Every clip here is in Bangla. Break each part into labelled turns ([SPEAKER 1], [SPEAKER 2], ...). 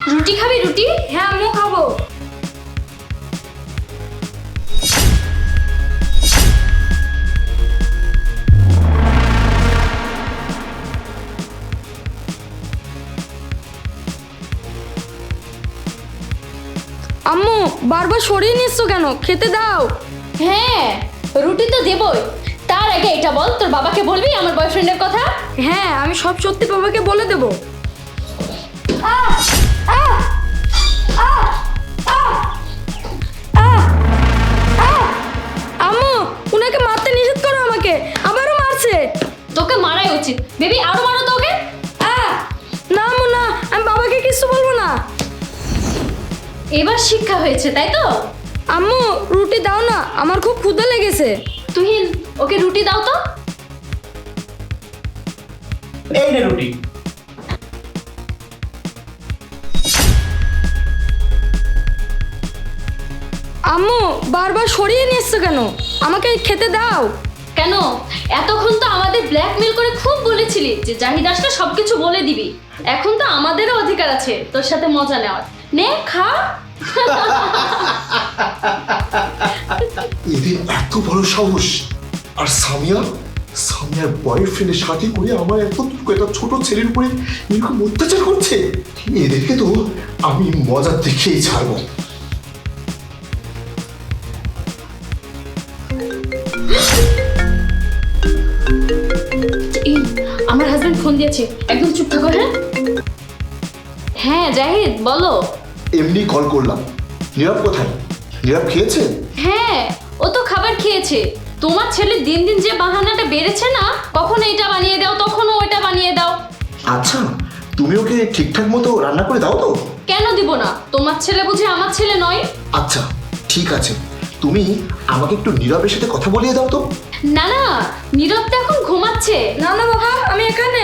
[SPEAKER 1] রুটি খাবি রুটি?
[SPEAKER 2] হ্যাঁ আম্মু খাবো। আম্মু বারবার সরিয়ে নিচ্ছ কেন? খেতে দাও।
[SPEAKER 1] হ্যাঁ রুটি তো দেবই, তার আগে এটা বল, তোর বাবাকে বলবি আমার বয়ফ্রেন্ডের কথা?
[SPEAKER 2] হ্যাঁ আমি সব সত্যি বাবাকে বলে দেবো। আম্মু উনাকে মারতে নিষেধ করো, আমাকে আবারও মারছে।
[SPEAKER 1] তোকে মারাই উচিত বেবি, আরো মারো তো ওকে।
[SPEAKER 2] না আম্মু না, আমি বাবাকে কিছু বলবো না।
[SPEAKER 1] এবার শিক্ষা হয়েছে তাই তো?
[SPEAKER 2] আম্মু রুটি দাও না, আমার খুব ক্ষুধা লেগেছে।
[SPEAKER 1] তুহিন ওকে রুটি দাও তো।
[SPEAKER 3] এই নে রুটি।
[SPEAKER 2] আম্মু বারবার সরিয়ে নিচ্ছ কেন? আমাকে খেতে দাও।
[SPEAKER 1] কেন এতক্ষণ তো আমাদের ব্ল্যাকমেল করে খুব বলেছিলি যে জাহিদ আসলে সবকিছু বলে দিবি, এখন তো আমাদেরও অধিকার আছে তোর সাথে মজা নেওয়ার। নে খা।
[SPEAKER 4] এদের এত বড় সাহস! আর সামিয়ার বয়ফ্রেন্ডের সাথে করে আমার একটা ছোট ছেলের উপরে এরকম অত্যাচার করছে। এদেরকে তো আমি মজা দেখেই ছাড়বো।
[SPEAKER 1] এই, আমার হাজবেন্ড ফোন দিয়েছে, একদম চুপ থাকো। হ্যাঁ হ্যাঁ জাহিদ বলো।
[SPEAKER 4] এমনি কল করলাম। নীরব কোথায়? নীরব খেয়েছে?
[SPEAKER 1] হ্যাঁ ও তো খাবার খেয়েছে। তোমার ছেলে দিন দিন যে বাহানাটা বেড়েছে না, কখনো এটা বানিয়ে দাও কখনো ওইটা বানিয়ে দাও।
[SPEAKER 4] আচ্ছা তুমি ওকে ঠিকঠাক মতো রান্না করে দাও তো?
[SPEAKER 1] কেন দিব না? তোমার ছেলে বুঝি আমার ছেলে নয়?
[SPEAKER 4] আচ্ছা ঠিক আছে, তুমি আমাকে একটু নীরবের সাথে কথা বলিয়ে দাও তো।
[SPEAKER 1] না না, নীরব তো এখন ঘুমাচ্ছে।
[SPEAKER 2] না না বাবা আমি এখানে।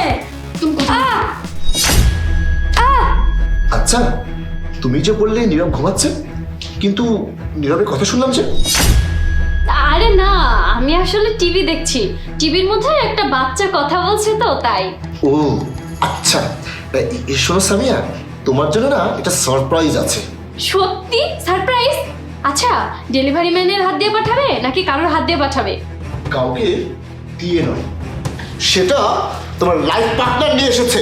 [SPEAKER 4] আচ্ছা তুমি যে বললে নীরব ঘুমাচ্ছে, কিন্তু নীরবের কথা শুনলাম যে।
[SPEAKER 1] আরে না, আমি আসলে টিভি দেখছি, টিভির মধ্যে একটা বাচ্চা কথা বলছে তো তাই।
[SPEAKER 4] ও আচ্ছা, শোনো সামিয়া, তোমার জন্য না এটা সারপ্রাইজ আছে।
[SPEAKER 1] সত্যি সারপ্রাইজ? আচ্ছা ডেলিভারি ম্যানের হাত দিয়ে পাঠাবে নাকি কারোর হাত দিয়ে পাঠাবে?
[SPEAKER 4] কাউকে দিয়ে নয়, সেটা তোমার লাইফ পার্টনার নিয়ে এসেছে।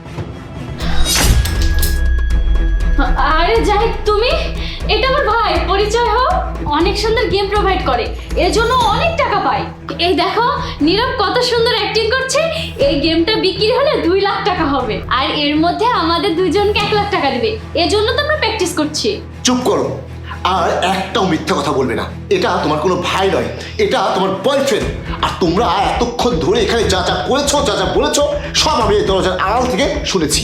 [SPEAKER 1] আরে জাহিদ তুমি? এটা আমার ভাই, পরিচয় হও। অনেক সুন্দর গেম প্রোভাইড করে, এর জন্য অনেক টাকা পায়। এই দেখো নীরব কত সুন্দর অ্যাক্টিং করছে। এই গেমটা বিক্রি হলে 2 লাখ টাকা হবে, আর এর মধ্যে আমাদের দুইজনকে 1 লাখ টাকা দিবে। এর জন্য তো আমরা প্র্যাকটিস করছি।
[SPEAKER 4] চুপ করো, আর একটাও মিথ্যা কথা বলবে না। এটা তোমার কোনো ভাই নয়, এটা তোমার বয়ফ্রেন্ড। আর তোমরা এতক্ষণ ধরে এখানে যা যা করেছো, যা যা বলেছো, সব আমি এই দরজার আড়াল থেকে শুনেছি।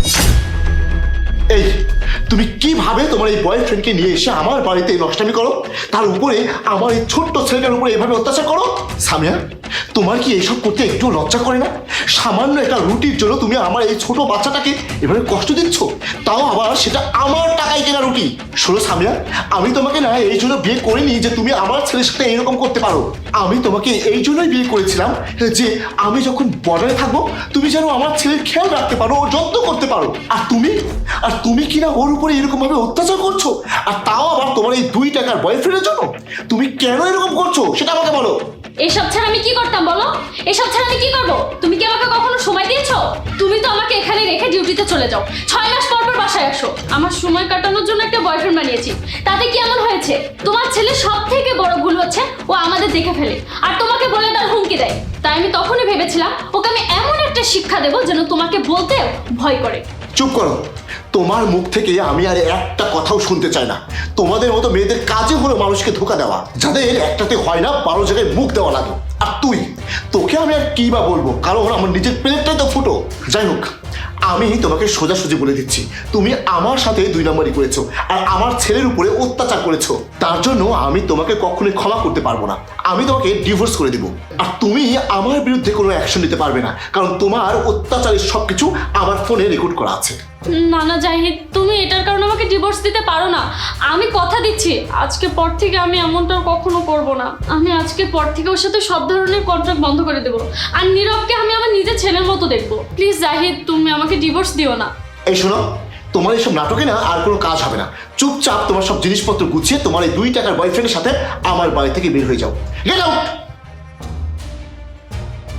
[SPEAKER 4] এই তুমি কিভাবে তোমার এই বয়ফ্রেন্ডকে নিয়ে এসে আমার বাড়িতে নষ্টামি করো, তার উপরে আমার এই ছোট্ট ছেলেটার উপরে এভাবে অত্যাচার করো? সামিয়া তোমার কি এইসব করতে একটু লজ্জা করে না? সামান্য একটা রুটির জন্য তুমি আমার এই ছোট বাচ্চাটাকে এভাবে কষ্ট দিচ্ছ, তাও আবার সেটা আমার টাকায় কেনা রুটি। শোনো সামিয়া, আমি তোমাকে না এই জন্য বিয়ে করিনি যে তুমি আমার ছেলের সাথে এরকম করতে পারো। আমি তোমাকে এই জন্যই বিয়ে করেছিলাম যে আমি যখন বর্ডারে থাকবো তুমি যেন আমার ছেলের খেয়াল রাখতে পারো, ও যত্ন করতে পারো। আর তুমি কিনা ওর উপরে এরকম ভাবে অত্যাচার করছো, আর তাও আবার তোমার এই 2 টাকার বয়ফ্রেন্ডের জন্য। তুমি কেন এরকম করছো সেটা আমাকে বলো।
[SPEAKER 1] এসব ছাড়া আমি কি করতাম বলো? এসব ছাড়া আমি কি করবো? তুমি কি আমাকে কখনো সময় দিয়েছো? তুমি তো আমাকে এখানে রেখে ডিউটিতে চলে যাও, 6 মাস পর পর বাসায় আসো। আমার সময় কাটানোর জন্য একটা বয়ফ্রেন্ড বানিয়েছি, তাতে কি এমন হয়েছে? তোমার ছেলে সব থেকে বড় ভুল হচ্ছে ও আমাদের দেখে ফেলে আর তোমাকে বলে তার হুমকি দেয়। তাই আমি তখনই ভেবেছিলাম ওকে আমি এমন একটা শিক্ষা দেবো যেন তোমাকে বলতে ভয় করে।
[SPEAKER 4] চুপ করো, তোমার মুখ থেকে আমি আর একটা কথাও শুনতে চাই না। তোমাদের মতো মেয়েদের কাজে হলো মানুষকে ধোকা দেওয়া, যাদের একটাতে হয় না 12 জায়গায় মুখ দেওয়া লাগে। আর তোকে আমি আর কি বা বলবো, কারণ আমার নিজের প্লেটটাই তো ফুটো। যাই হোক, আমি তোমাকে সোজাসুজি বলে দিচ্ছি, তুমি আমার সাথে 2 নম্বরই করেছো আর আমার ছেলের উপরে অত্যাচার করেছো। তার জন্য আমি তোমাকে কখনোই ক্ষমা করতে পারবো না। আমি তোমাকে ডিভোর্স করে দিব, আর তুমি আমার বিরুদ্ধে কোনো অ্যাকশন নিতে পারবে না, কারণ তোমার অত্যাচারের সবকিছু আমার ফোনে রেকর্ড করা আছে।
[SPEAKER 1] না না জাহিদ, তুমি এটার কারণে আমাকে ডিভোর্স দিতে পারো না। আমি কথা দিচ্ছি আজকের পর থেকে আমি এমনটা কখনো করব না। আমি আজকের পর থেকে ওর সাথে সব ধরনের কন্ট্রাক্ট বন্ধ করে দেবো, আর নীরবকে আমি আমার নিজের ছেলের মতো দেখবো। প্লিজ জাহিদ তুমি আমাকে ডিভোর্স দিও না।
[SPEAKER 4] এই শোনো, তোমার এইসব নাটকে না আর কোনো কাজ হবে না। চুপচাপ তোমার সব জিনিসপত্র গুছিয়ে তোমার এই 2 টাকার বয়ফ্রেন্ডের সাথে আমার বাড়ি থেকে বের হয়ে যাও। Get out.